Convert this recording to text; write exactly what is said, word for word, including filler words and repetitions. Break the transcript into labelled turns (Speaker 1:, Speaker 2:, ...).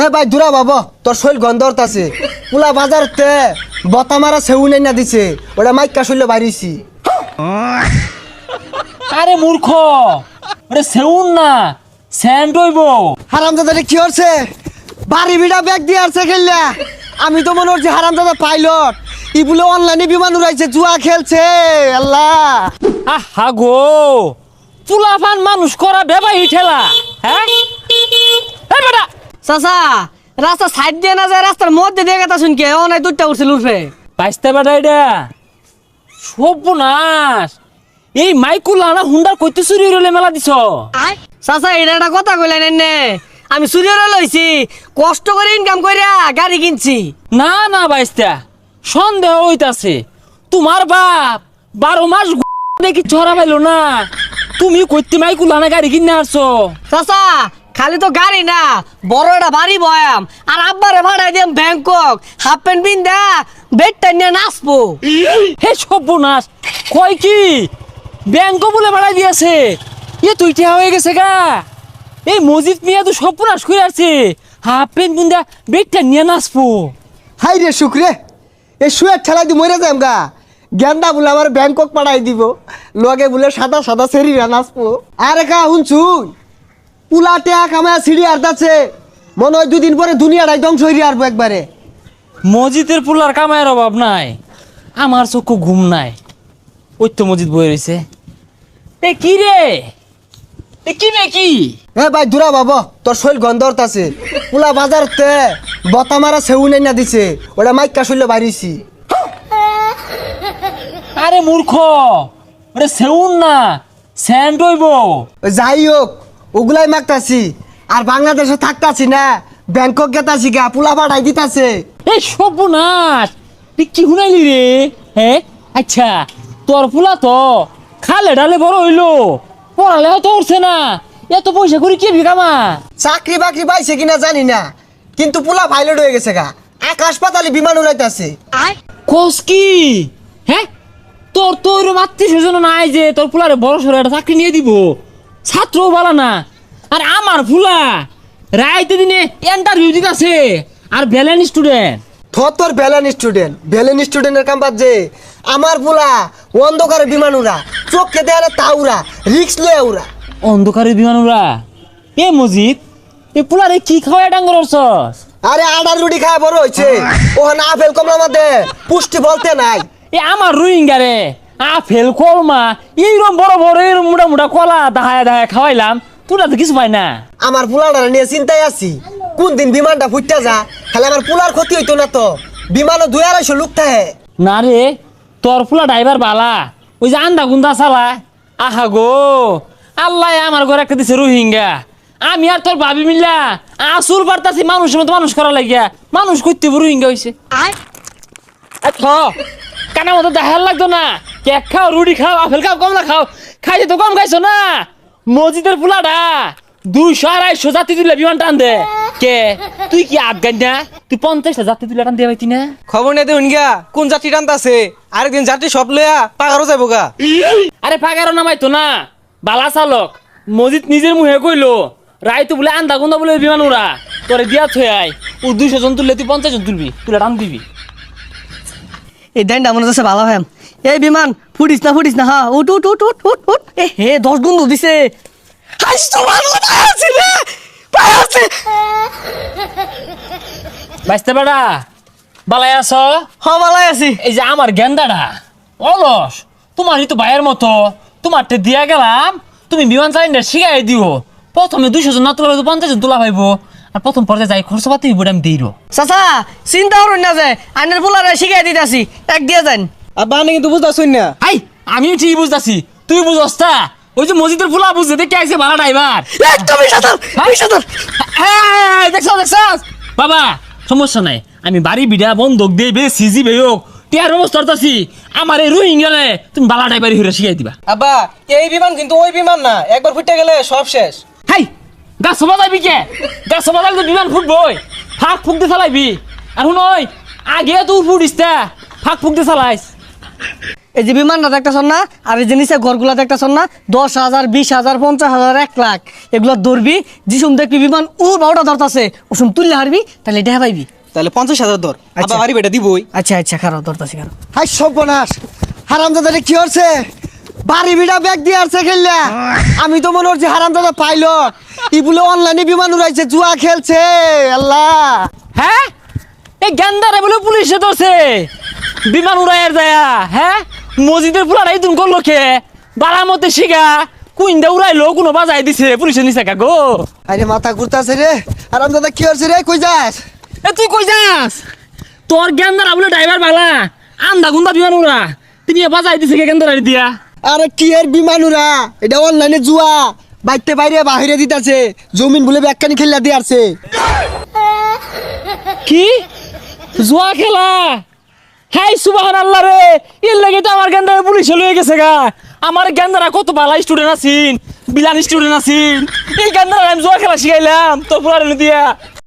Speaker 1: এ ভাই দূরা বাবা তোর শৈল গন্ধরত আছে পুলা বাজারতে বতা মারা সেউ নাই না দিছে ওটা মাইকা শৈল বাড়িছি।
Speaker 2: আরে মূর্খ, ওরে সেউন না স্যান্ড হইব।
Speaker 1: হারামজাদা কি হচ্ছে বাড়ি বিড়া ব্যাগ দিয়ে আসছে খেললা। আমি তো মনে হচ্ছে হারামজাদা পাইলট ই বলে অনলাইনে বিমান উড়াইছে জুয়া খেলছে। আল্লাহ
Speaker 2: আহা গো, চুলাফান মানুষ করা বেবাই ঠেলা। হ্যাঁ এই বেটা
Speaker 3: চাচা রাস্তা সাইড দিয়ে না যায় রাস্তার মধ্যে দিয়ে কথা শুনকে ও নাই দুধটা উঠছিল উঠবে
Speaker 2: বাইসতে বেটা এটা সর্বনাশ। এই মাইকুলা না হুন্ডার কইতে চুরি হইলে মেলা দিছ।
Speaker 3: চাচা এটা একটা কথা কইলেন নে আমি চুরিরে লইছি কষ্ট করে ইনকাম কইরা গাড়ি কিনছি।
Speaker 2: না না বাইসতা সন্দেহ হইতাছে তোমার বাপ বারো মাস দেখি ছড়া পাইলো না, তুমি কইতে মাইকুলা না গাড়ি কিনে আসছো।
Speaker 3: চাচা খালি তো গাড়ি না বড় একটা বাড়ি বয়াম আর আব্বারে ভাড়াই দিম ব্যাংকক হাফ প্যান্ট পিন্দা বেডটা নিয়ে নাচবো।
Speaker 2: হে সর্বনাশ, কয় কি ব্যাংক বলে বাড়াই দিয়েছে? এ তুই ঠেয়া হয়ে গেছে গা। এই মজিদ মিয়া তো সর্বনাশ করে আছে, হাফ প্যান্ট বুন্দা বেগটা নিয়ে নাচবো।
Speaker 1: হাই রে শুক্রে এ শুয়ে ঠেলাই দি মরে যাম গা। গেন্দা বলে আমার ব্যাংকক পাঠাই দিব লগে বলে সাদা সাদা সেরিরা নাচবো। আরে কা শুনছুন পুলা টেয়া কামায় সিঁড়ি আর্দাচ্ছে মনে হয় দুদিন পরে দুনিয়াটাই ধ্বংস হয়ে আসবো একবারে।
Speaker 2: মসজিদের পুলার কামায়ের অভাব নাই, আমার চক্ষু ঘুম নাই। ওই তো মসজিদ বয়ে রয়েছে। এ কি রে, এ কি রে কি?
Speaker 1: এ ভাই দূরা বাবা তোর শৈল গন্ধরত আছে পুলা বাজারতে বতা মারা সেউ নাই না দিছে ওটা মাইকা শৈল বাড়িছি।
Speaker 2: আরে মূর্খ, ওরে সেউন না স্যান্ড হইব।
Speaker 1: যাই হোক ওগুলাই মাগতাছি আর বাংলাদেশে থাকতাছি না ব্যাংকক গেতাছি গা পুলা পাঠাই দিতাছে।
Speaker 2: এই সর্বনাশ, তুই কি শুনাইলি রে? হ্যাঁ আচ্ছা, তোর ফুলা তো খালে ডালে বড় হইলো, পড়ালেও তো উঠছে না, এত পয়সা করে কি বিকামা?
Speaker 1: চাকরি বাকরি পাইছে কিনা জানি না কিন্তু পুলা পাইলট হয়ে গেছে গা, আকাশ পাতালে বিমান উড়াইতাছে।
Speaker 2: কোস কি? হ্যাঁ তোর তো ওইরকম আত্মীয় স্বজন নাই যে তোর ফুলারে বড় সড়ো একটা চাকরি নিয়ে দিব, ছাত্রও বলা না। আর আমার ফুলা রাইতে দিনে ইন্টারভিউ দিতেছে আর ভ্যালেন স্টুডেন্ট।
Speaker 1: থর তোর ভ্যালেন স্টুডেন্ট ভ্যালেন স্টুডেন্টের কাম যে আমার পুলা অন্ধকারে বিমান উড়া চোখকে দেয়ালে তা উড়া রিক্স লয়ে উড়া।
Speaker 2: অন্ধকারে বিমান উড়া? এ মজিদ এ পুলারে কি খাওয়া ডাঙ্গর অর্চস?
Speaker 1: আরে আডার রুটি খায় বড় হয়েছে ওখানে আপেল কমলা মধ্যে পুষ্টি বলতে নাই।
Speaker 2: এ আমার রোহিঙ্গা রে আপেল কলমা এইরকম বড় বড় এরকম মোটা মোটা কলা দাহায় দাহায় খাওয়াইলাম, তোরা তো কিছু পাই না।
Speaker 1: আমার পুলাটা নিয়ে চিন্তায় আছি কোন দিন বিমানটা ফুটতে যা, খালি আমার পুলার ক্ষতি হইতো না তো। বিমানও দুই আড়াইশো লোক থাকে।
Speaker 2: না রে তোর ফুলা ড্রাইভার বালা, ওই যে আন্দা গুন্দা চালা। আহা গো আল্লাহ আমার ঘরে একটা দিছে রোহিঙ্গা, আমি আর তোর ভাবি মিল্লা আসুর বার্তাছি মানুষের মতো মানুষ করা লাগিয়া মানুষ করতে রোহিঙ্গা হয়েছে। কানা মতো দেখার লাগতো না, কেক খাও রুটি খাও আপেল খাও কমলা খাও, খাইতে তো কম খাইছো না। মসজিদের ফুলাটা দুইশো আড়াইশো জাতি তুলে বিমান টান দে। কে তুই কি আফগান না? তুই পঞ্চাশটা জাতি তুলে টান দিয়ে পাইতি না?
Speaker 4: খবর নেই দেখুন গা কোন যাত্রী টানতাছে, আরেকদিন যাত্রী সব লইয়া পাগারও যাবো গা।
Speaker 2: আরে পাগারও নামাইতো না, বালা চালক মসজিদ নিজের মুহে কইলো রায় তো বলে আন্দা গুন্দা বলে বিমান উড়া তোরে দিয়া থই আই, ও দুইশো জন তুললে তুই পঞ্চাশ জন তুলবি, তুলে টান দিবি।
Speaker 3: এই দেন মনে হচ্ছে ভালো হ্যাম। এই বিমান ফুটিস না ফুটিস না হ্যাঁ উঠ উঠ উঠ উঠ উঠ উঠ। এ হে দশ গুণ দিছে।
Speaker 2: বাইসতে বেড়া বালাই আছ?
Speaker 3: হ ভালাই আছি।
Speaker 2: এই যে আমার গেন্দাটা অলস, তোমারই তো ভাইয়ের মতো, তোমারটা দিয়া গেলাম তুমি বিমান চালিনা শিখাই দিও। প্রথমে দুইশো জন না তোলা পঞ্চাশ জন তোলা পাইবো, আর প্রথম পর্যায়ে যাই খরচ পাতি হইব আমি দিই।
Speaker 3: চাচা চিন্তা করুন না যে আইনের পোলারে শিখাই দিতেছি এক দিয়ে যান।
Speaker 4: আর বানে কিন্তু বুঝতেছুন না।
Speaker 2: আই আমি ঠিক বুঝতেছি, তুই বুঝস তা? ওই যে মসজিদের ফুলা বুঝতে দেখে আইছে ভাড়া ড্রাইভার।
Speaker 3: একদমই সাঁতার সাঁতার
Speaker 2: দেখছ দেখছ বাবা, সমস্যা নাই, আমি বাড়ি বিড়া বন্ধক দিয়ে বে সিজি বে হোক টিয়ার ব্যবস্থা করতেছি। আমার এই রোহিঙ্গালে তুমি বালা ড্রাইভারি হইরা শিখাই দিবা।
Speaker 4: আব্বা এই বিমান কিন্তু ওই বিমান না, একবার ফুটে গেলে সব শেষ।
Speaker 2: হাই গাছ সবা যাবি কে? গাছ সবা যাবি তো বিমান ফুটবই, ফাঁক ফুক দিয়ে চালাইবি। আর শুন ওই আগে তুই ফুটিস তা ফাঁক ফুক দিয়ে চালাইস।
Speaker 3: এই যে বিমানটা দেখতেছন না আর এই যে নিচে ঘরগুলা দেখতেছন না দশ হাজার বিশ হাজার পঞ্চাশ হাজার এক লাখ এগুলো ধরবি যিসুম দেখবি বিমান ও বারোটা ধরতাছে ওসুম তুললে হারবি তাহলে এটা পাইবি।
Speaker 4: তাহলে পঞ্চাশ হাজার ধর
Speaker 3: আচ্ছা।
Speaker 4: আবার বাড়ি বেটা দিবই।
Speaker 3: আচ্ছা আচ্ছা খারাপ ধরতাছি খারাপ।
Speaker 1: হাই সর্বনাশ হারামজাদারে কি হচ্ছে বাড়ি বিড়া ব্যাগ দিয়ে আসছে খেললা আমি তো মনে হচ্ছে হারামজাদা পাইলট ই বলে অনলাইনে বিমান উড়াইছে জুয়া খেলছে আল্লাহ।
Speaker 2: হ্যাঁ এই গেন্দারে বলে পুলিশে ধরছে বিমান উড়াইয়ের যায়া। হ্যাঁ মসজিদের পুলারাই তুমি করলো খে বাড়ার মধ্যে শিখা কুইন্দা উড়াইলো কোনো বাজাই দিছে পুলিশে নিছে কা গো।
Speaker 1: আরে মাথা ঘুরতাছে রে হারামজাদা কি হচ্ছে রে কই যাস?
Speaker 2: এ তুই কই যাস? তোর গেন্দারা বলে ড্রাইভার বালা আন্দা গুন্দা বিমান উড়া তুমি বাজাই দিছে কে গেন্দারা দিয়া।
Speaker 1: আরে কি এর বিমান উড়া এটা অনলাইনে জুয়া বাইতে বাইরে বাহিরে দিতাছে জমিন বলে ব্যাগখানি খেললা দিয়ে আসছে।
Speaker 2: কি জুয়া খেলা? হাই সুবহান আল্লাহ রে এর লাগে তো আমার গেন্দারা পুলিশে লয়ে গেছে গা। আমার গেন্দারা কত ভালো স্টুডেন্ট আছিন বিলান স্টুডেন্ট আছিন এই গেন্দারা আমি জুয়া খেলা শিখাইলাম তোর পুরানো দিয়া।